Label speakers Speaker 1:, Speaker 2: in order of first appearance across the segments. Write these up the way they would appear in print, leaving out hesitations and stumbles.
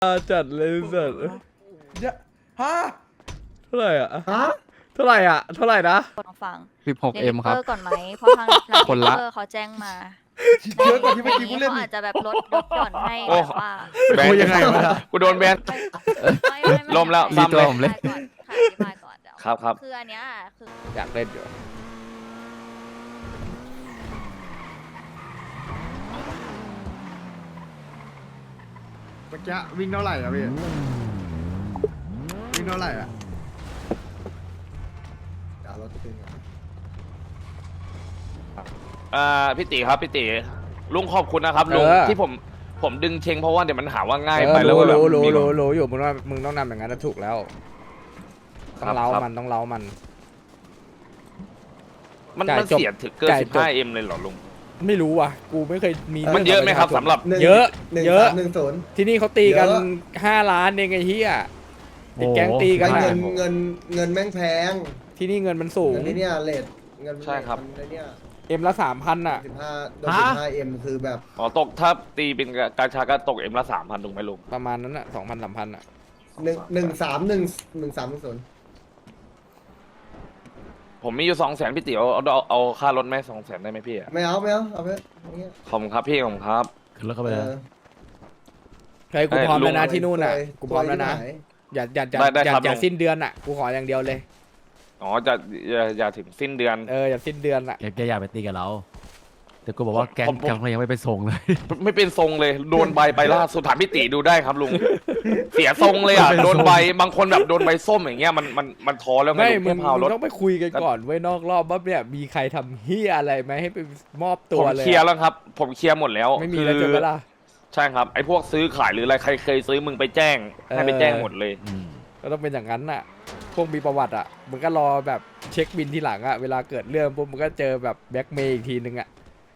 Speaker 1: จัดเลยสัตว์
Speaker 2: ฮะ
Speaker 1: เท่าไหร่อ่ะ
Speaker 2: ฮะ
Speaker 1: เท่าไหร่อ่ะเท่าไหร่นะ
Speaker 3: ฟัง
Speaker 4: 16M ครับ
Speaker 3: ก่อนไหมเพราะทาง
Speaker 4: คนละ
Speaker 3: เขาแจ้งมา
Speaker 2: เยอะกว่าที่เมื่อกี้กูเล่น
Speaker 3: เขา
Speaker 2: อี
Speaker 3: อาก จจะแบบลดหย่อนให้
Speaker 5: โอ้
Speaker 3: แบบว่า
Speaker 5: แบน
Speaker 1: คุยยังไงวะ
Speaker 5: กูโดนแบน
Speaker 3: ไม่
Speaker 5: ลมแล้ว
Speaker 4: รีบ
Speaker 5: ซ้ำเลย
Speaker 4: ผมเลย
Speaker 3: อธิบายก่อนเดี๋ยว
Speaker 5: ครับ
Speaker 3: คืออันเนี้ยคือ
Speaker 1: อยากเล่นอยู่
Speaker 2: เมื่อกี้วิ่งเท่าไหร่อะพี่วิ่งเท่าไหร่อะเดี๋ยวเราจะเป็นไง
Speaker 5: พี่ติครับพี่ติลุงขอบคุณนะครับลุงที่ผมดึงเชงเพราะว่าเดี๋ยวมันหาว่าง่ายไปแล้วก็แบบ
Speaker 1: รู้
Speaker 5: มี
Speaker 1: อยู่มึงต้องนำอย่างนั้นถูกแล้วต้องเล้ามันต้องเล้ามัน
Speaker 5: มัน
Speaker 1: จ่ายจบ
Speaker 5: เสียถึงเกิน
Speaker 1: จ่ายจบ
Speaker 5: 15M เลยเหรอลุง
Speaker 1: ไม่รู้ว่ะกูไม่เคยมี
Speaker 5: มันเยอะไหมครับสำหรับ
Speaker 1: เยอะ
Speaker 2: 1
Speaker 1: เยอะ
Speaker 2: 3 1 0
Speaker 1: ที่นี่เขาตีกัน
Speaker 2: เยอะ
Speaker 1: 5 ล้านเองไอ้เหี้ยติดแก๊งตีกัน
Speaker 2: เงิ
Speaker 1: อะ
Speaker 2: นเงินเงินแม่งแพง
Speaker 1: ที่นี่เงินมันสูง
Speaker 2: เงินนี่เนี่ยเลทเงิน
Speaker 5: ใช่ครับ
Speaker 2: มันเนี่ย
Speaker 1: เอ็มละ3,000อ่ะ
Speaker 2: 15โดน15M คือแบบ
Speaker 5: อ๋อตกถ้าตีเป็นการชาก็ตกMละ3,000ถูกไหมลุง
Speaker 1: ประมาณนั้นอ่ะ2,000-3,000อ่ะ
Speaker 2: 1 3 1 3 1 0
Speaker 5: ผมมีอยู่200,000พี่ติเอาค่ารถไหม200,000ได้ไหมพี่อะ
Speaker 2: ไม่เอาเอาไปอย่างเงี้ย
Speaker 5: ขอบคุณครับพี่ขอบคุณครับ
Speaker 4: ขึ้นรถเข้าไปเลย
Speaker 1: เฮ้ยกูพร้อมแล้วนะ
Speaker 2: เออ
Speaker 1: ที่นู่นอ่ะ
Speaker 2: สวย
Speaker 1: กูพร้อมแล้วนะ
Speaker 2: สวยที่ไหน
Speaker 1: อย่าสิ้นเดือนอ่ะกูขออย่างเดียวเลย
Speaker 5: อ๋ออย่าถึงสิ้นเดือน
Speaker 1: อย่าสิ้นเดือนอ่ะ
Speaker 4: แกอยากไปตีกับเรา แต่กูบอกว่าแก๊ง
Speaker 5: ผม
Speaker 4: เขายังไม่ไปส่งเลย
Speaker 5: ไม่เป็นทรงเลยโดนใบไปล่าสุดถามพี่ติดูได้ครับลุง เสียทรงเลยอ่ะโดนใบบางคนแบบโดนใบส้มอย่างเงี้ยมันท้อแล้วไง
Speaker 1: ไม่
Speaker 5: ลุง
Speaker 1: มึ
Speaker 5: แค่
Speaker 1: ง
Speaker 5: พาวรถ
Speaker 1: ต้องไปคุยกันก่อนเว้ยนอกรอบว่าเนี่ยมีใครทำเฮียอะไรไหมให้ไปมอบตั
Speaker 5: ผ
Speaker 1: ว
Speaker 5: ม
Speaker 1: เลย
Speaker 5: เคลียร์แล้วครับ ผมเคลียร์หมดแล้ว
Speaker 1: ไม่มีแล้ว
Speaker 5: คื
Speaker 1: เจอเวลา
Speaker 5: ใช่ครับไอ้พวกซื้อขายหรืออะไรใครเคยซื้อมึงไปแจ้งให้ไปแจ้งหมดเลย
Speaker 1: ก็ต้องเป็นอย่างนั้นน่ะ พวกมีประวัติอ่ะมึงก็รอแบบเช็คบินทีหลังอ่ะเวลาเกิดเรื่องปุ๊บมึงก็เจอแบบแบ็กเมย์อีกทีนึงอ่ะ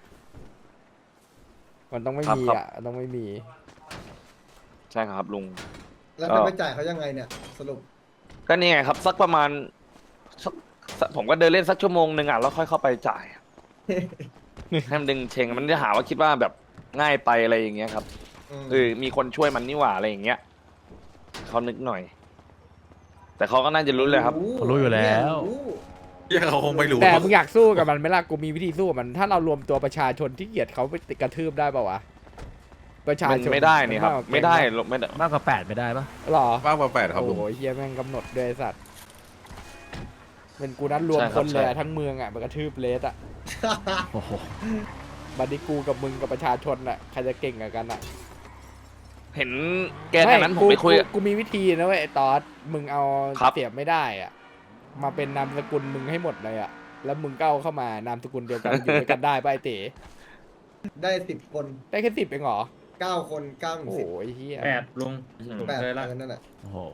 Speaker 1: มันต้องไม่มีอ่ะต้องไม่มี
Speaker 5: ใช่ครับลุง
Speaker 2: แล้วจะไปจ่ายเขายังไงเนี่ยสรุป
Speaker 5: ก็นี่ไงครับสักประมาณผมก็เดินเล่นสักชั่วโมงหนึ่งอ่ะแล้วค่อยเข้าไปจ่าย ให้มันดึงเชงมันจะหาว่าคิดว่าแบบง่ายไปอะไรอย่างเงี้ยครับมีคนช่วยมันนี่หว่าอะไรอย่างเงี้ยเขานึกหน่อย แต่เขาก็น่าจะรู้เลยครับ
Speaker 4: เขารู้อยู่แล้ว
Speaker 6: ยังเขาคงไม่รู้
Speaker 1: แต่มึงอยากสู้กับมันไหมล่ะกูมีวิธีสู้กับมัน ถ้าเรารวมตัวประชาชนที่เกลียดเขาไปกระทืบได้ป่าวะประชา
Speaker 5: มัน
Speaker 1: ชน
Speaker 5: ไม่ได้นี่ครับ ไม่ได้ไม่ได้
Speaker 4: มากกว่า8ไม่ได้ปะ
Speaker 1: หรอ
Speaker 6: มากกว่า8ครับลุง
Speaker 1: โอ้ยเฮียแม่งกำหนดด้วยไอ้สัตว์เป็นกูนัดรวมคนเลยอะทั้งเมืองอ่ะมันกระทืบเลสอ่ะ
Speaker 4: โอ้โห
Speaker 1: บัดนี้กูกับมึงกับประชาชนอ่ะใครจะเก่งกว่ากันอ่ะ
Speaker 5: เห็นแกทางนั้นผมไปคุย
Speaker 1: กูมีวิธีนะเว้ยไอ้ตอสมึงเอา
Speaker 5: ครับ
Speaker 1: เสียบไม่ได้อ่ะมาเป็นนามสกุลมึงให้หมดเลยอ่ะแล้วมึงก็เอาเข้ามานามสกุลเดียวกันอยู่ด้วยกันได้ป่ะไอ้เต๋
Speaker 2: ได้10 คน
Speaker 1: ได้แค่10เองเหรอ
Speaker 2: 9 คน9 ถึง
Speaker 1: โอ้
Speaker 2: 10
Speaker 1: โหเฮีย
Speaker 7: 8ลุง
Speaker 2: 8
Speaker 7: เคยละ
Speaker 2: นั่นแหละ
Speaker 4: โอ้โห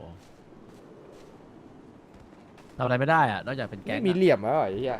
Speaker 4: ทำอะไรไม่ได้อะนอกจากเป็นแก๊ง
Speaker 1: ไม่มีเหลี่ยมแล้วเหรอไอ้เฮีย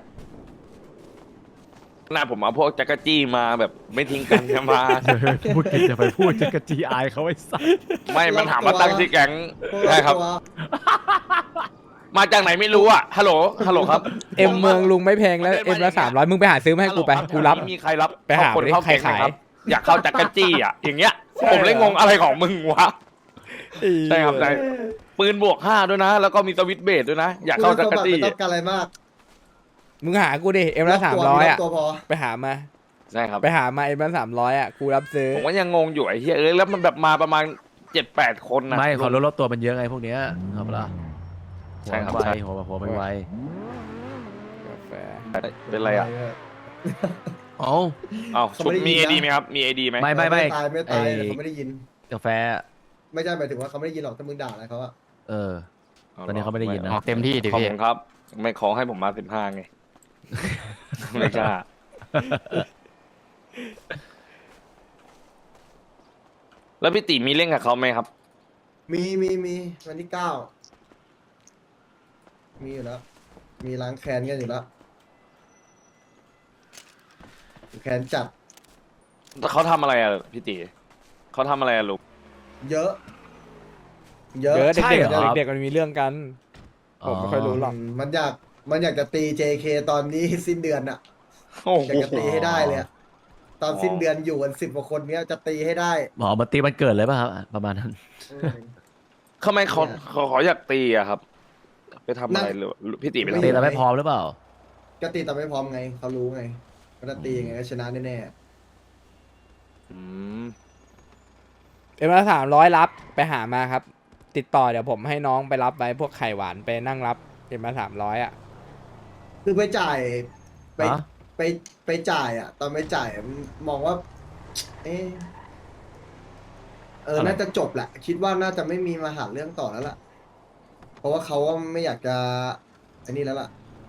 Speaker 5: หน้าผมเอาพวกจักรจี้มาแบบไม่ทิ้งกันมา
Speaker 4: พูดกินจะไปพูดจะกระจีอายเขาไอ้สัส
Speaker 5: ไม่มันถามมาตั้งที่แก๊ง
Speaker 2: พวก
Speaker 5: ใช่ครับ
Speaker 2: ตัว
Speaker 5: มาจากไหนไม่รู้อ่ะฮัลโหลครับ
Speaker 1: เอ็มเมืองลุงไม่แพงแล้วเอ็มละ300มึงไปหาซื้อมาให้กูไปกูรับ
Speaker 5: มีใครรับ
Speaker 1: ไปหา
Speaker 5: คน
Speaker 1: ดิ
Speaker 5: เข้า
Speaker 1: ใคร
Speaker 5: แก๊งไหม
Speaker 1: ขาย
Speaker 5: ครับอยากเข้าจักรจี้อ่ะอย่างเงี้ย
Speaker 1: ใช่
Speaker 5: ผมเลยงงอะไรของมึงวะ
Speaker 1: ไอ้เหี้ย
Speaker 5: ใช่ครับใช่ปืนบวก5ด้วยนะ แล้วก็มีสวิตช์เบสด้วยนะ อยากเข้าจักรจี้
Speaker 2: ไม่ต้องการอะไรมาก
Speaker 1: มึงหากูดิเอ็มละ300อ่ะ
Speaker 2: ตัวพอ
Speaker 1: ไปหามา
Speaker 5: ใช่ครับ
Speaker 1: ไปหามาเอ็มละ300อ่ะกูรับซื้อ
Speaker 5: ผมก็ยังงงอยู่ไอ้เหี้ยแล้วมันแบบมาประมาณ7-8 คนนะ
Speaker 4: ไม่เขาลดตัวมันเยอะไงพวกเนี้ยเอาปะล่ะ
Speaker 5: ใช่ครับ
Speaker 4: หัว
Speaker 5: ใช่
Speaker 4: ไวหัวไม่ไว
Speaker 1: กาแฟ
Speaker 5: เป็นไรอ่ะ
Speaker 4: เอ้า
Speaker 5: อ้าวชุบมี AD ไหมครับมี AD ไหม
Speaker 4: ไม่
Speaker 2: ไม่ตายแต่เขาไม่ได้ยิน
Speaker 4: กาแฟ
Speaker 2: ไม่ใช่หมายถึงว่าเขาไม่ได้ยินหรอกถ้ามึงด่าอะไรเขาอะ
Speaker 4: เออ ตอนนี้เขาไม่ได้ยินนะ
Speaker 6: ออกเต็มที่ดิ
Speaker 5: ขอบ
Speaker 6: พี่
Speaker 5: คุณครับ ไม่ขอให้ผมมา15ไง ไม่กล้าแล้วพี่ติมีเล่นกับเขาไหมครับ
Speaker 2: มีวันที่ 9 มีอยู่แล้ว มีล้างแค้นกันอยู่แล้วแค้นจัด
Speaker 5: เขาทำอะไรอ่ะพี่ติเขาทำอะไรอ่ะลูก
Speaker 2: เยอะ
Speaker 1: เยอะ
Speaker 4: ใช่
Speaker 1: เด็ก
Speaker 4: เหรอ
Speaker 1: ๆเด็กๆมันมีเรื่องกันผมไม่ค่อยรู้หรอก
Speaker 2: มันอยากจะตี JK ตอนนี้ สิ้นเดือนอะ
Speaker 5: โอ้โห
Speaker 2: อยากจะตีให้ได้เลยอะ
Speaker 7: ตอนสิ้นเดือนอยู่กัน10 กว่าคนเนี้ยจะตีให้ได้
Speaker 4: หมอมาตีมันเกิดเลยป่ะครับประมาณนั้น
Speaker 5: ทำไมเขาอยากตีอะครับ ไปทำอะไรหรือพี่ตีไป
Speaker 4: ตี
Speaker 5: ทำ
Speaker 4: เราไม่พร้อมหรือเปล่า
Speaker 7: ก็ตีแต่ไม่พร้อมไงเขารู้ไงว่าถ้าตียังไงก็ชนะแน่
Speaker 5: อืม
Speaker 1: เป็นมา300รับไปหามาครับ ติดต่อเดี๋ยวผมให้น้องไปรับไว้พวกไข่หวานไปนั่งรับเป็นมา300อ่ะ
Speaker 7: ๆคือไปจ่ายไป
Speaker 4: ฮะ
Speaker 7: ไปจ่ายอ่ะ ตอนไปจ่ายมองว่า เอะน่าจะจบแหละ คิดว่าน่าจะไม่มีมาหาเรื่องต่อแล้วล่ะ เพราะว่าเขาว่าไม่อยากจะอันนี้แล้วล่ะ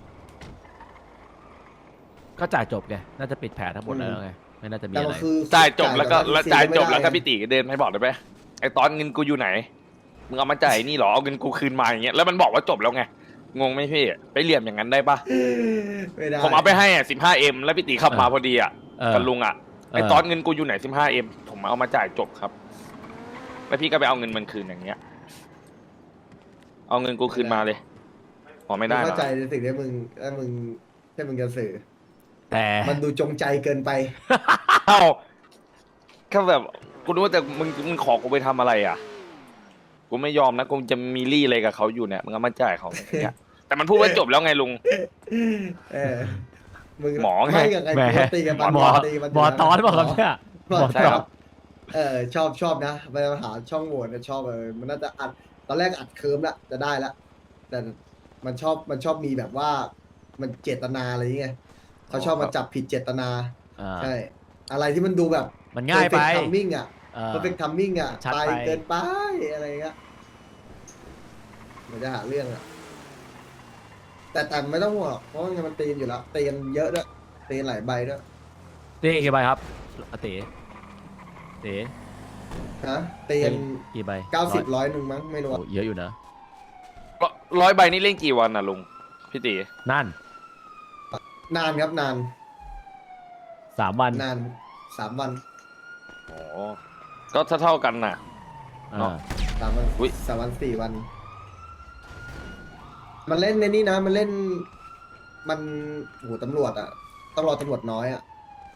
Speaker 4: ก็จ่ายจบไง น่าจะปิดแผลทั้งหมดแล้วไง ไม่น่าจะมี
Speaker 7: แต่
Speaker 4: อะไร
Speaker 7: ว่าคือ
Speaker 5: จ่ายจบแล้วก็
Speaker 7: ต่
Speaker 5: จ่ายจบ
Speaker 7: ไม่ได้
Speaker 5: แล้วก็พี่ตีก็เดินให้บอกได้ไหมไอตอนเงินกูอยู่ไหนมึงเอามาจ่ายนี่เหรอเอาเงินกูคืนมาอย่างเงี้ยแล้วมันบอกว่าจบแล้วไงงงไหมพี่ไปเหลี่ยมอย่างนั้นได้ปะ
Speaker 7: ไม่ได้
Speaker 5: ผมเอาไปให้อ่ะ 15M แล้วพี่ตีขับมาพอดีอ่ะ
Speaker 4: เออ
Speaker 5: กับลุงอ่ะไอ
Speaker 4: เออ
Speaker 5: ตอนเงินกูอยู่ไหน 15M ผมเอามาจ่ายจบครับ แล้วพี่ก็ไปเอาเงินมันคืนอย่างเงี้ย เอาเงินกูคืนมาเลยอ๋อไม่ได้
Speaker 7: เข้า
Speaker 5: นะ
Speaker 7: ใจในสิ่งที่มึงที่มึงจะสื่อ
Speaker 4: แต่
Speaker 7: มันดูจงใจเกินไป
Speaker 5: เอ้าแค่แบบกูรู้ว่าแต่มึงขอกูไปทำอะไรอ่ะกูไม่ยอมนะกูจะมีรี่อะไรกับเขาอยู่เนี่ยมึงเอามาจ่ายเขาอย่างเงี้ยแต่มันพูดว่าจบแล้วไงลุง
Speaker 7: เออมึง
Speaker 5: หมอไง
Speaker 7: ไม่กับไง
Speaker 4: แหม
Speaker 7: กูตีกัน
Speaker 4: หมอ
Speaker 7: ตีกัน
Speaker 4: หมอตอนบอกครับเนี่ย
Speaker 7: หมอ
Speaker 5: ใช่
Speaker 7: ต
Speaker 5: ค
Speaker 7: อ
Speaker 5: รั
Speaker 7: น
Speaker 5: บ
Speaker 7: ชอบนะไปหาช่องโหว่เนี่ยชอบมันน่าจะอัดตอนแรกอัดเคิร์มละจะได้ละแต่มันชอบมีแบบว่ามันเจตนาอะไรอย่างเงี้ยเขาชอบมาจับผิดเจตนา
Speaker 4: อ่า
Speaker 7: ใช่ อะไรที่มันดูแบบ
Speaker 4: มันง่ายไป
Speaker 7: ทัมมิ่งอ่ะ
Speaker 4: เออ
Speaker 7: perfect timing อ่ะ
Speaker 4: ชัด
Speaker 7: ไป
Speaker 4: ไป
Speaker 7: เกินไปอะไรเงี้ยมันจะหาเรื่องอ่ะแต่ไม่ต้องห่วงหรอกเพราะว่ามันตีกันอยู่แล้วตีกันเยอะด้วยตีกันหลายใบด้วย
Speaker 4: ตีกี่ใบครับอาติตี
Speaker 7: ฮะตีกัน
Speaker 4: กี่ใบ
Speaker 7: 90 100มั้งไม่รู้
Speaker 4: โอ้
Speaker 7: อะ
Speaker 4: เยอะอยู่นะ
Speaker 5: 100 ใบนี่เล่นกี่วันน่ะลุงพี่ตี
Speaker 4: นั่น
Speaker 7: นานครับนาน
Speaker 4: 3 วัน
Speaker 7: นาน3 วัน
Speaker 5: อ๋อก็เท่ากันน่ะ
Speaker 4: อ่า
Speaker 5: เนาะ
Speaker 7: 3 วัน
Speaker 5: อุ๊ย
Speaker 7: 3 วัน 4 วัน มันเล่นในนี่นะ มันเล่น มันโหตำรวจอ่ะต้องรอตำรวจน้อยอ่ะ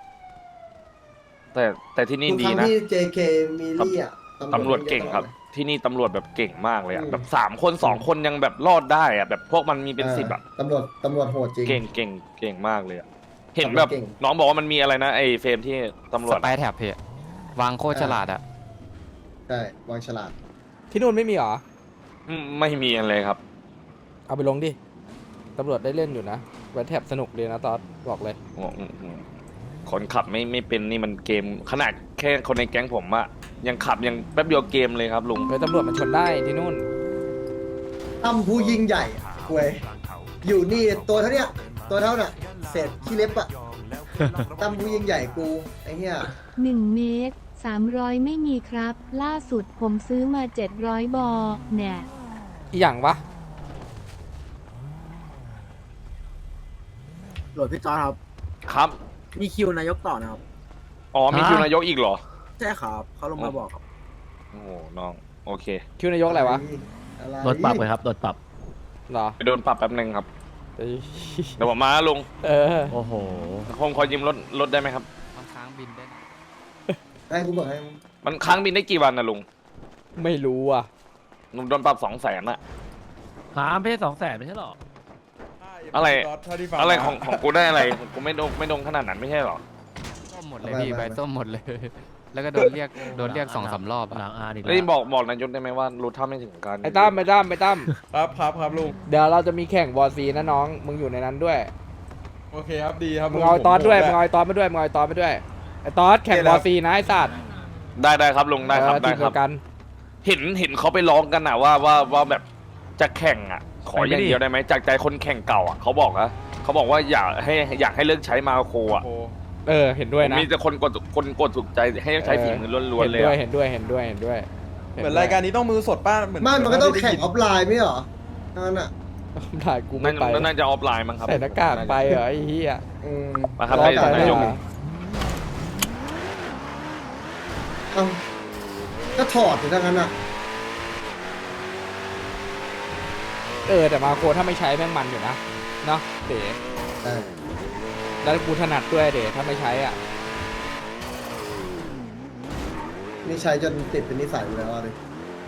Speaker 5: แต่ที่นี่
Speaker 7: ทุก
Speaker 5: ดี
Speaker 7: ครั้ง
Speaker 5: นะ
Speaker 7: ที่ JK มีลี่อ่ะ
Speaker 5: ตำรวจเก่งครับ ที่นี่ตำรวจแบบเก่งมากเลยอ่ะ
Speaker 7: อืม
Speaker 5: แบบ3 คน2 คนยังแบบรอดได้อ่ะแบบพวกมันมีเป็น10อ่ะ
Speaker 7: ตำรวจโหดจริง
Speaker 5: เก่งมากเลยอ่ะเห็นแบบ
Speaker 7: เก่ง
Speaker 5: น้องบอกว่ามันมีอะไรนะไอ้เฟรมที่ตำรว
Speaker 8: ส
Speaker 5: จ
Speaker 8: ไปร์แท็บพี่วางโคตรฉลาดอะ
Speaker 7: ใช่วางฉลาด
Speaker 1: ที่นู่นไม่มีเหรอ
Speaker 5: ไม่มีอะไรครับ
Speaker 1: เอาไปลงดิตำรวจได้เล่นอยู่นะไว้แทบสนุกเลยนะตอนบอกเลย
Speaker 5: คนขับไม่เป็นนี่มันเกมขนาดแค่คนในแก๊งผมอะยังขับยังแป๊บเดียวเกมเลยครับลุง
Speaker 1: เฮ้ยตำรวจมันชนได้ที่นู่น
Speaker 7: ตั้มผู้ยิ่งใหญ่ควยอยู่นี่ตัวเท่าเนี้ยตัวเท่าน่ะเศษขี้เล็บอ่ะ ตั้มผู้ยิ่งใหญ่กูไอ้เหี้ย
Speaker 9: 1 เมตร 300 ไม่มีครับ ล่าสุดผมซื้อมา 700 บอเนี่ย
Speaker 1: อีหยังวะ
Speaker 2: โหลดพี่จอร์จครับ
Speaker 5: ครับ
Speaker 2: มีคิวนายกต่อนะครับ
Speaker 5: อ๋อมีคิวนายกอีกเหรอ
Speaker 2: ใช่ครับเขาลงมาบอกครับ
Speaker 5: โอ้โหน้องโอเค
Speaker 1: คิวนายกอะไรวะ
Speaker 7: อะไร
Speaker 4: โดนปรับเลยครับ โดนปรับ
Speaker 1: เหรอ
Speaker 5: ไปโดนปรับแป๊บนึงครับ
Speaker 1: เอ้ย
Speaker 5: เดี๋ยวผมมาลุง
Speaker 1: เออ
Speaker 4: โอ้โห
Speaker 5: ผมขอยืมรถได้ไหมครับ
Speaker 8: บางครั้งบินได้นะ
Speaker 7: ให้กูบอกให้
Speaker 5: มันค้างบินได้กี่วันนะลุง
Speaker 1: ไม่รู้อ่ะ
Speaker 5: ลุงโดนปรับ200,000อะ
Speaker 4: หาไม่ใช่200,000ไม่ใช่หรอ
Speaker 5: อะไรอะไรของกูได้อะไรกูไม่โดนขนาดนั้นไม่ใช่หรอ
Speaker 8: ส้มหมดเลยพี่ใบส้มหมดเลย แล้วก็โดนเรียก2-3 รอบ
Speaker 4: หลั
Speaker 8: อะ
Speaker 4: งอาดีก
Speaker 5: แล้ว
Speaker 4: ว่า
Speaker 5: บอกนายกได้ไหมว่ารู้เท่าไม่ถึงการ
Speaker 1: ไอ้ตั้มครับลุงเดี๋ยวเราจะมีแข่งวอร์ซีนะน้องมึงอยู่ในนั้นด้วย
Speaker 6: โอเคครับดีครับ
Speaker 1: มึงเอาไอ้ตอสด้วยมึงเอาไอ้ตอสมาด้วยมึงเอาไอ้ตอสมาด้วยไอ้ตอสแข่งวอร์ซีนะไอ้สัตว์
Speaker 5: ได้ครับลุงได้ครับ
Speaker 1: ที
Speaker 5: ได้
Speaker 1: ม
Speaker 5: ค
Speaker 1: เดี
Speaker 5: รั
Speaker 1: ย
Speaker 5: บ
Speaker 1: วกัน
Speaker 5: เห็นเขาไปร้องกันนะว่าแบบจะแข่งอ่ะ ขออย่างเดียวได้ไหมจากใจคนแข่งเก่าอ่ะเขาบอกว่าอยากให้เลิกใช้มาโครอ่ะ
Speaker 1: เออเห็นด้วยนะ
Speaker 5: มีแต่คนกดถูกใจให้ใช้ฝีมือล้วนๆเลยอะ
Speaker 1: เห็นด้วย
Speaker 6: เหมือนรายการนี้ต้องมือสดป้าเหมือน
Speaker 7: ไม่มันก็ต้องแข่งออฟไลน์ไม่เหรอนั่นน่ะ
Speaker 1: ถ่ายกูไม่ไป
Speaker 5: น่าจะออฟไลน์มั้งครับ
Speaker 1: ใส่หน้ากากไปเหรอไอ้เหี้ย
Speaker 7: อืม
Speaker 5: มาครับ
Speaker 1: รอ
Speaker 5: ให้
Speaker 1: ไป
Speaker 5: นายก
Speaker 1: ได้
Speaker 7: เอ้าก็ถอดอยู่ทั้งนั้นอ่ะ
Speaker 1: เออแต่มาโคถ้าไม่ใช้แม่งมันอยู่นะเนาะเด๋
Speaker 7: ใช่
Speaker 1: แล้วกูถนัดด้วยเด๋ถ้าไม่ใช้อ่ะ
Speaker 7: นี่ใช้จนติดเป็นนิสัยไปแล้วเลย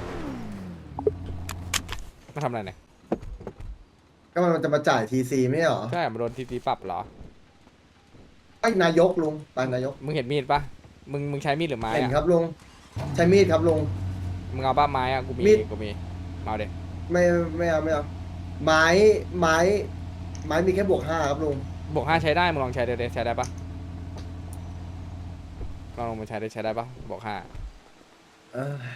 Speaker 1: มาทำอะไรเนี่ย
Speaker 7: ก็มันจะมาจ่ายทีซีไม่ใช่เหรอ
Speaker 1: ใช่มาโดนทีปรับเหรอ
Speaker 7: ไอ้นายกลุงไปนายก
Speaker 1: มึงเห็นมีดปะมึงใช้มีดหรือไม้
Speaker 7: เห็น
Speaker 1: อะ
Speaker 7: ครับลุงใช้มีดครับลุง
Speaker 1: มึงเอาป้าไม้อะกูมี
Speaker 7: มีด
Speaker 1: กูมีมาเอาเด็
Speaker 7: ไม่เอาไม้มีแค่บวก 5ครับลุง
Speaker 1: บวก 5ใช้ได้มึงลองใช้ใช้ได้ปะลองมาใช้ได้ปะบวก 5
Speaker 7: เอ้ย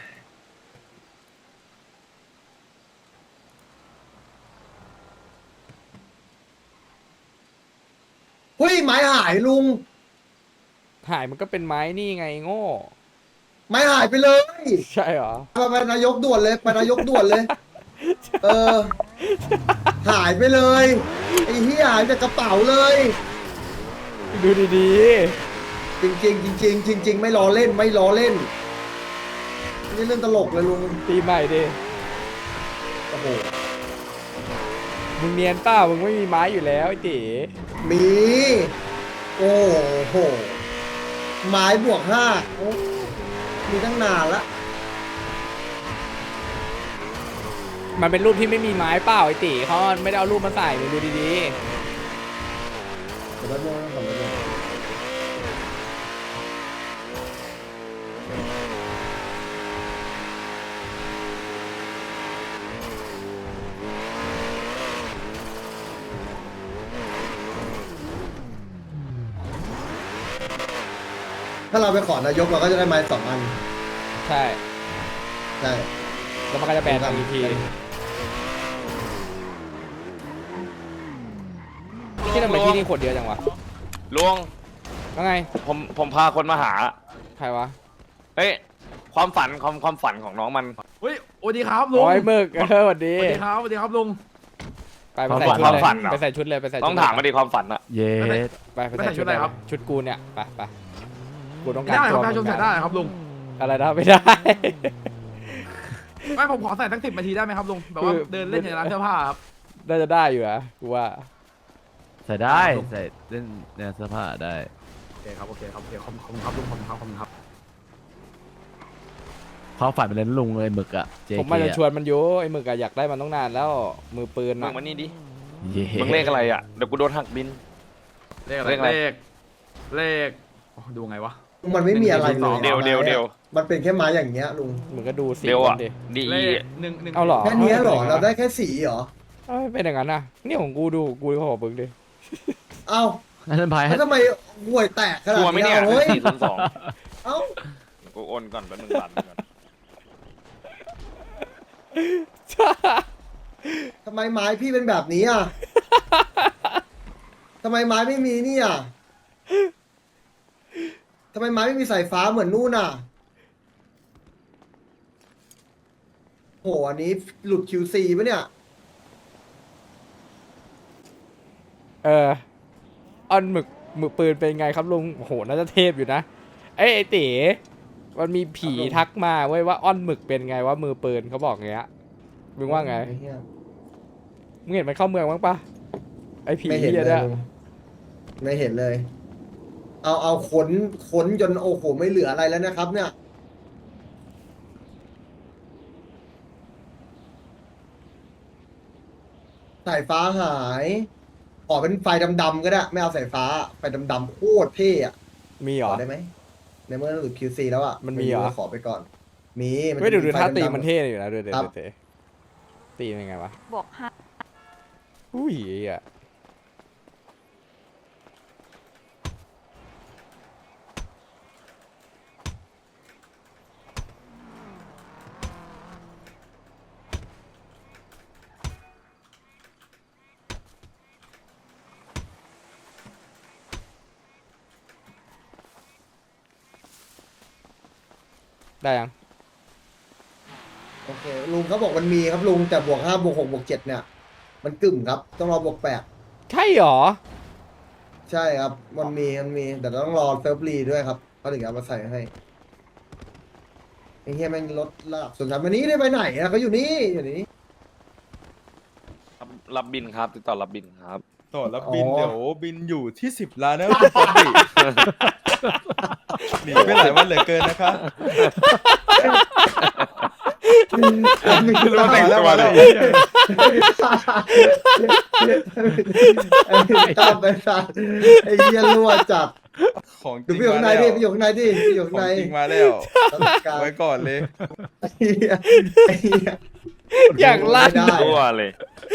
Speaker 7: เฮ้ยไม้หายลุง
Speaker 1: หายมันก็เป็นไม้นี่ไงโง่
Speaker 7: ไม้หายไปเลย
Speaker 1: ใช่เหรอ
Speaker 7: ไปนายกด่วนเลยไปนายกด่วนเลย เออ หายไปเลยไอ้เหี้ยหายจากกระเป๋าเลย
Speaker 1: ดูดี
Speaker 7: จริงจริงไม่ล้อเล่นไม่ล้อเล่นนี่เรื่องตลกเลยลุง
Speaker 1: ๆตีใหม่ดิ
Speaker 7: โอ้โห
Speaker 1: มึงเนียนเปล่ามึงไม่มีไม้อยู่แล้วไอ้ตี
Speaker 7: มีโอ้โหไม้บวก 5โอ้มีตั้งนานละ
Speaker 1: มันเป็นรูปที่ไม่มีไม้เปล่าไอ้ตีเขาไม่ได้เอารูปมาใส่มึงดูดี
Speaker 7: ขอโทษด้วยขอโทษด้วยถ้าเราไปขอนายกเราก็จะได้ไม้2 อัน
Speaker 1: ๆใช่
Speaker 7: ใช่
Speaker 1: แล้วมันก็จะแบนทางอีกทีที่ทำไมที่นี่คนเดียวจังวะ
Speaker 5: ลุง
Speaker 1: ว่าไง
Speaker 5: ผมพาคนมาหา
Speaker 1: ใครวะ
Speaker 5: เฮ้ยความฝันของน้องมัน
Speaker 4: เฮ้ยสวัสดีครับลุง
Speaker 1: โอ้ยมึกสวัสดี
Speaker 4: สวัสดีครับสวัสดีครับลุง
Speaker 1: ไปใส่ชุด
Speaker 5: ความ
Speaker 1: เลย
Speaker 5: ฝันเหรอ
Speaker 1: ไปใส่ชุดเลยไปใส่ชุด
Speaker 5: ต้องถามมาดิความฝันอะ
Speaker 4: เย้
Speaker 1: ไปใส่ชุดเลยชุดกูเนี่ยไปกูต้องการ
Speaker 4: ได้ค
Speaker 1: ตั
Speaker 4: รับ
Speaker 1: ว
Speaker 4: ประชาชนใส่ได้ครับลุง
Speaker 1: อะไรนะไม่ได้
Speaker 4: ไม่ผมขอใส่ตั้ง10 นาทีได้ไหมครับลุงแบบว่า
Speaker 1: คือ
Speaker 4: เดินเล่นในร้านเสื้อผ้าครับ
Speaker 1: น่าจะได้อยู่อะกูว่า
Speaker 10: ใส่ได้ใส่เล่นในเสื้อผ้าได้
Speaker 4: โอเคครับโอเคครับโอเคขอบคุณครับลุงขอบคุณครับขอบคุณครับ
Speaker 10: เขาฝันเป็นเล่นลุงเลยหมึกอะ JK
Speaker 1: ผมมาจะชวนมันอยู่ไอ้หมึกอะอยากได้มันต้องนานแล้วมือปืน
Speaker 5: มึ
Speaker 1: อะ
Speaker 5: งมานี่ดิ
Speaker 10: เย้
Speaker 5: มึงเลขอะไรอะเดี๋ยวกูโดนหักบิน
Speaker 4: เลขอะไร
Speaker 5: เลขอะไร
Speaker 4: เลขโอ้ดูไงวะ
Speaker 7: มันไม่มีอะไรเลย
Speaker 5: เดี๋ยว
Speaker 7: มันเป็นแค่ไม้อย่างเงี้ยลุง
Speaker 1: มึงก็ดูสี
Speaker 5: เดี๋ยว
Speaker 1: มั
Speaker 5: อะ
Speaker 1: นดิ
Speaker 5: ดี
Speaker 4: เลขหนึ่ง
Speaker 1: เอาเหรอ
Speaker 7: แค่เนี้ยเหรอเราได้แค่สีเหรอ
Speaker 1: เอ้ยเป็นอย่างนั้นนะนี่ของกูดูกูขอมึงดิ
Speaker 7: เอ้า
Speaker 10: อันนั้นพาย
Speaker 7: แล้วทำไมห่วยแตกขนาด
Speaker 5: กลัวไหม
Speaker 7: นี้
Speaker 5: เนี่ย
Speaker 7: เฮ้ย
Speaker 5: 402
Speaker 7: เอ้า
Speaker 5: กูโอนก่อนแป๊บนึงบัตรก่อน
Speaker 7: ทำไมไม้พี่เป็นแบบนี้อ่ะ ทำไมไม้ไม่มีนี่อ่ะทำไมไม้ไม่มีสายฟ้าเหมือนนู่นอ่ะโหอันนี้หลุด QC ปะเนี่ย
Speaker 1: ออนหมึกปืนเป็นไงครับลุงโอ้โหน่าจะเทพอยู่นะไอ้เต๋มันมีผีทักมาเว้ยว่าอ้อนหมึกเป็นไงว่ามือปืนเขาบอกอย่างเงี้ยมึงว่าไง
Speaker 7: อ้เหี้ย
Speaker 1: มึงเห็นมันเข้าเมืองบ้างปะไอ้ผี
Speaker 7: ไม่เห็น
Speaker 1: เหี้ย
Speaker 7: เลย
Speaker 1: เนี่ย
Speaker 7: ลุงไม่เห็นเลย เอาขนจนโอ้โหไม่เหลืออะไรแล้วนะครับ เนี่ย สายฟ้าหายขอเป็นไฟดำๆก็ได้ ไม่เอาสายฟ้า ไฟดำๆโคตรเท่อะ
Speaker 1: มีเหร
Speaker 7: ข
Speaker 1: อ
Speaker 7: อได้ไหมในเมื่อหลุด QC แล้วอ่ะ
Speaker 1: มันมีเหรอ
Speaker 7: ขอไปก่อน มีน
Speaker 1: ไม่
Speaker 7: จะ
Speaker 1: ดู
Speaker 7: ไฟ
Speaker 1: ท่าตี
Speaker 7: ดำๆ
Speaker 1: มันเท่อยู่นะดูเต๋
Speaker 7: ครับ
Speaker 1: เต๋ตีเป็นไงวะ
Speaker 3: บวก 5
Speaker 1: อุ้ยอ่ะได้ยัง
Speaker 7: โอเคลุงเขาบอกมันมีครับลุงแต่บวก 5บวก 6บวก 7เนี่ย มันกึ่มครับ ต้องรอบวก
Speaker 1: ใช่เหรอ
Speaker 7: 8ใช่ครับ มันมีแต่ต้องรอเซิร์ฟรีด้วยครับเขาถึงเอามาใส่ให้ไอ้เฮียแม่งลดระดับส่วนชั้นวันนี้ได้ไปไหนอะเขาอยู่นี่อยู่นี่
Speaker 5: รับบินครับติดต่อรับบินครับ
Speaker 6: ต่อแล้วบิน
Speaker 7: อ๋อ
Speaker 6: เดี๋ยวบินอยู่ที่10 ล้านนะคุณปกติหนีไปหลายวันเหลือเกินนะคะ
Speaker 5: คือรู้แต่งตัวเลย
Speaker 7: ชอบไปสัตว์ไอ้เหี้ยรั่วจัด
Speaker 6: ของจ
Speaker 7: ดู
Speaker 6: ริง
Speaker 7: พี่อยู่
Speaker 6: มา
Speaker 7: ข้างใน
Speaker 6: แล้ว
Speaker 7: ดิพี่อยู่ข้างในดิพี่อยู่
Speaker 6: ข
Speaker 7: ข้าง
Speaker 6: อง
Speaker 7: ใน
Speaker 6: จริงมาแล้ว
Speaker 7: การ
Speaker 6: ไว้ก่อนเลย
Speaker 7: ไอ้เหี้ยไอ้เหี้ย
Speaker 1: อย่างลั่น
Speaker 7: ไม่ได้
Speaker 5: ตัวเลย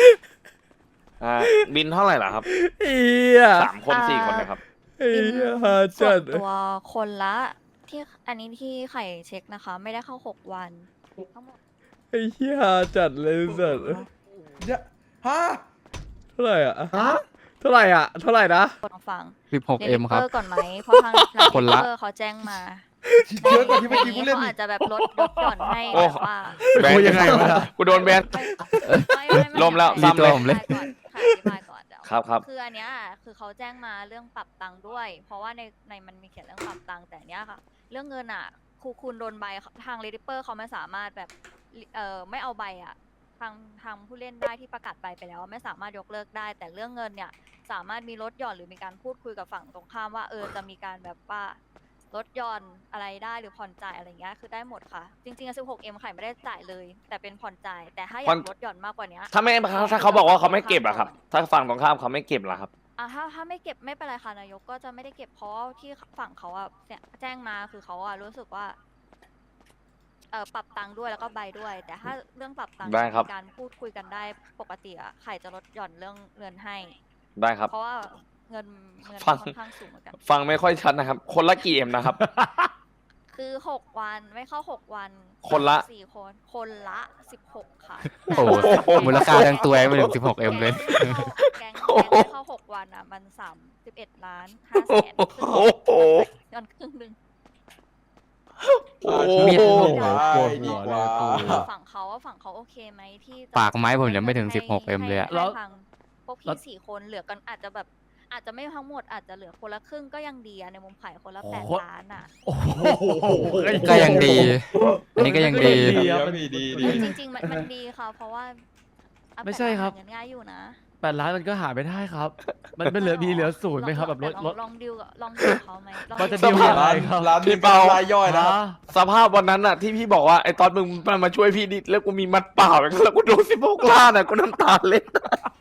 Speaker 5: บินเท่าไหร่ล่ะครับ
Speaker 1: เฮีย
Speaker 5: 3 คน 4 คนนะครับ
Speaker 1: เฮียหา
Speaker 3: ส่
Speaker 1: จั
Speaker 3: ว
Speaker 1: ด
Speaker 3: นตัวคนละที่อันนี้ที่ไข่เช็คนะคะ ไม่ได้เข้า6 วันทั้งหมด
Speaker 1: ไอ้เฮียหาจัดเลยสัตว์
Speaker 6: ฮะ
Speaker 1: เท่าไหร่อ่ะ
Speaker 7: ฮะ
Speaker 1: เท่าไหร่อ่ะเท่าไหร่นะ
Speaker 3: กดฟัง
Speaker 8: 16M ครับ
Speaker 3: เก่อนไหมเพราะทางร้าน
Speaker 8: คนละ
Speaker 3: เดลิเวอร์เขาแจ้งมา
Speaker 6: เยอะกว่าที่เมื่อกี้กูเล่น
Speaker 3: เขา
Speaker 6: อี
Speaker 3: อาก จจะแบบลดหย่อนให้
Speaker 5: โอ้
Speaker 3: แบบว่า
Speaker 5: แบนยังไงวะกูโดนแบน
Speaker 3: ไม่
Speaker 5: ลมแล้ว
Speaker 8: รี
Speaker 5: ซ้ำ
Speaker 8: ตัว
Speaker 5: เลย
Speaker 8: ผมเลย
Speaker 3: อธิบายก่อนเดี๋ยว
Speaker 5: ครับ
Speaker 3: คืออันเนี้ยคือเขาแจ้งมาเรื่องปรับตังค์ด้วย เพราะว่าในมันมีเขียนเรื่องปรับตังค์แต่เนี้ยค่ะ เรื่องเงินอ่ะคุณโดนใบทางเรดิเปอร์เขาไม่สามารถแบบไม่เอาใบอ่ะทางผู้เล่นได้ที่ประกาศใบไปแล้วไม่สามารถยกเลิกได้ แต่เรื่องเงินเนี่ยสามารถมีลดหย่อนหรือมีการพูดคุยกับฝั่งตรงข้ามว่าจะมีการแบบว่าลดหย่อนอะไรได้หรือผ่อนจ่ายอะไรเงี้ยคือได้หมดค่ะ จริงๆ16M ไข่ไม่ได้จ่ายเลย แต่เป็นผ่อนจ่ายแต่ถ้าอยากลดหย่อนมากกว่านี้
Speaker 5: ถ้าเขาบอกว่าเขาไม่เก็บอะครับ ถ้าฝั่งตรงข้ามเขาไม่เก็บล่ะครับ
Speaker 3: ถ้าไม่เก็บไม่เป็นไรค่ะนายกก็จะไม่ได้เก็บเพราะที่ฝั่งเขาอะเนี่ยแจ้งมาคือเขาอะรู้สึกว่าปรับตังค์ด้วยแล้วก็ใบด้วย แต่ถ้าเรื่องปรับตังค์
Speaker 5: ได้ครับ
Speaker 3: มีการพูดคุยกันได้ปกติอะไข่จะลดหย่อนเรื่องเงินให้
Speaker 5: ได้ครับ
Speaker 3: เพราะว่าเงิน
Speaker 5: ฟัง
Speaker 3: ค่อนข้างสูงเหมือนกัน
Speaker 5: ฟังไม่ค่อยชัดนะครับ คนละกี่เอ็มนะครับ
Speaker 3: คือ6 วันไม่เข้า6 วัน
Speaker 5: คนละ
Speaker 3: 4 คนละ16ค่ะ
Speaker 8: โอ้โหมูลค่าทั้งตัวยังไม่ถึง 16M เลย
Speaker 3: แก๊งไม่เข้า6 วันอะมัน31.5 ล้านครึ่ง
Speaker 5: โอ้โห
Speaker 3: ย้อนครึ่งหนึง
Speaker 5: โอ้โห
Speaker 8: มีด
Speaker 6: ปวดหัวเลยกู
Speaker 3: ฝั่งเขาโอเคไหมที่จะ
Speaker 8: ปากไม้ผมยังไม่ถึง 16M เลยอะ
Speaker 3: ให้ทางพวกพี่4 คนเหลือกันอาจจะแบบอาจจะไม่ทั้งหมดอาจจะเหลือคนละครึ่งก็ยังดีอะในมุมไข่คนละ8 ล้านอะ
Speaker 8: ก็ยังดี อันนี้ก็ยังดี
Speaker 6: ดี
Speaker 3: จริงๆมันดีค่ะเพราะว่าเอา
Speaker 4: ไม่ใช่ครับ
Speaker 3: เงินง่ายอยู่นะ
Speaker 4: 8 ล้านมันก็หาไม่ได้ครับ มันไม่เหลือมีเหลือศูนย์ไหมครับแบบลด
Speaker 3: ลองดิวกับเขาไหมลอง
Speaker 4: มันจะ
Speaker 3: ดิ
Speaker 4: ดี
Speaker 3: ว
Speaker 4: ล
Speaker 3: กับ
Speaker 4: ยังไง
Speaker 6: ร้านนี้เป็นรายย่อยนะ
Speaker 5: สภาพวันนั้นอะที่พี่บอกว่าไอ้ตอนมึงมาช่วยพี่ดิแล้วกูมีมัดเปล่าแล้วกูโดน16 ล้านอะกูน้ำตาเล็ด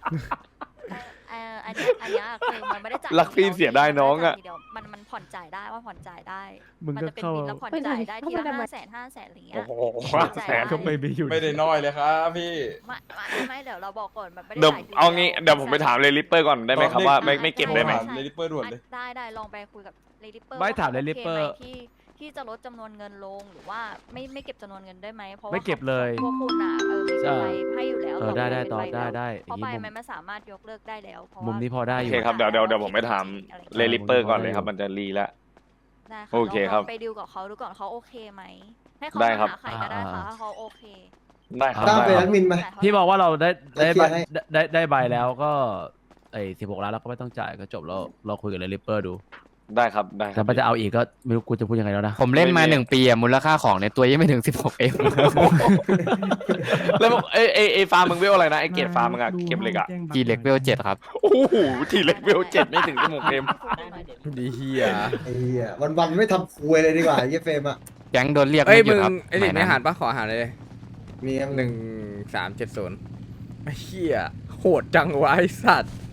Speaker 3: อันเนี้ยคือมันไม่ได้จ่าย
Speaker 5: รักพี่เสียดายน้องอะ
Speaker 3: ทีเดียวมันผ่อนจ่ายได้ว่าผ่อนจ่ายได้
Speaker 4: มึง
Speaker 3: มัน
Speaker 4: ก็
Speaker 3: จะเป็น
Speaker 4: เข้า
Speaker 3: บินแล้วผ่อนจ่ายได้ทีละ500,000อะไรอย่างเงี้ย
Speaker 5: โอ้โห
Speaker 3: แสน
Speaker 4: ก็ไม่มีอยู่
Speaker 6: ไม่ได้น้อยเลยครับพี่
Speaker 3: ไม่เดี๋ยวเราบอกก่อนมันไม่ได้
Speaker 5: เดี๋ยว
Speaker 3: จ่ายที
Speaker 5: เอางี้เดี๋ยวผมไปถามเลยลิปเปอร์ก่อนได้ไหมครับว่าไม่เก็บได้ไหม
Speaker 6: ถามเลดี้เปิร์ด่วนเลย
Speaker 3: ได้ลองไปคุยกับเลดี้เปอร์
Speaker 4: ไม่ถาม Lady Pearl
Speaker 3: ที่จะลดจำนวนเงินลงหรือว่าไม่เก็บจำนวนเงินได้ไหมเพราะว่า
Speaker 4: ไม่เก็บเลย
Speaker 3: พวกคุณอ่ะมี
Speaker 4: ใช่
Speaker 3: ใบให้อยู่แล้ว
Speaker 4: ได้ได้
Speaker 3: เป็น
Speaker 4: ต่อ
Speaker 3: ใบ
Speaker 4: ได้
Speaker 3: แล้ว
Speaker 4: ได้อ
Speaker 3: เพราะ
Speaker 4: ย่าง
Speaker 3: ใบ
Speaker 4: นี้
Speaker 3: มันไม่สามารถยกเลิกได้แล้วเพราะ
Speaker 4: มุม
Speaker 3: ว่า
Speaker 4: นี้พอได้
Speaker 5: โอ
Speaker 4: อยู่
Speaker 5: เคครับเดี๋ยวผมไปถามเลลิปเปอร์ก่อนเลยครับมันจะรีแล้ว
Speaker 3: ได้
Speaker 5: โอเคครับ
Speaker 3: ลงไปดิวกับเขาดูก่อนเขาโอเคไหมให้เขา
Speaker 5: ได้ครับ
Speaker 3: หาใครก็ได้ค่ะถ้าเขาโอเค
Speaker 5: ได้ครับ
Speaker 7: ตาม
Speaker 5: ได้
Speaker 7: ไป
Speaker 5: ค
Speaker 7: แอ
Speaker 5: รับ
Speaker 7: ดมินไหม
Speaker 3: จ่ายเท่าไหร่
Speaker 4: พี่มองว่าเราได้ใบ
Speaker 7: เคลียร์ให้
Speaker 4: ได้ใบแล้วก็16 ล้านเราก็ไม่ต้องจ่ายก็จบแล้วเราคุยกับเลลิเปอร์ดู
Speaker 5: ได้ครับได้ค
Speaker 4: แต่
Speaker 5: รับ
Speaker 4: มันจะเอาอีกก็ไม่รู้กูจะพูดยังไงแล้วนะ
Speaker 8: ผมเล่นมา
Speaker 5: ไม่มี
Speaker 8: 1 ปีอะมูลค่าของในตัวยังไม่ถึง 16M
Speaker 5: แล้วไอ้ฟาร์มมึงเวลอะไรนะไอ้เกรดฟาร์มมึงอะเก็บเหล็กอะ
Speaker 8: G Level 7 ครับ
Speaker 5: โอ้โหทีเล็กเวล7ไม่ถึง16 เอ็ม
Speaker 1: ดีเฮีย
Speaker 7: ไอ้เหี้ยวันๆไม่ทำคุยเลยดีกว่าไอ้เหี้ยเฟรมอ่ะ
Speaker 8: แก๊งโดนเรียก
Speaker 1: เอ้ย
Speaker 8: ไม่หยุ
Speaker 1: มึ
Speaker 8: ด
Speaker 1: ง
Speaker 8: ครับ
Speaker 1: ไอ้เด็กไม่
Speaker 8: สย
Speaker 1: หารปะขออาหารเลย
Speaker 7: มีครับ
Speaker 1: 1370ไอ้เฮียโหดจังวะไอ้สัตว์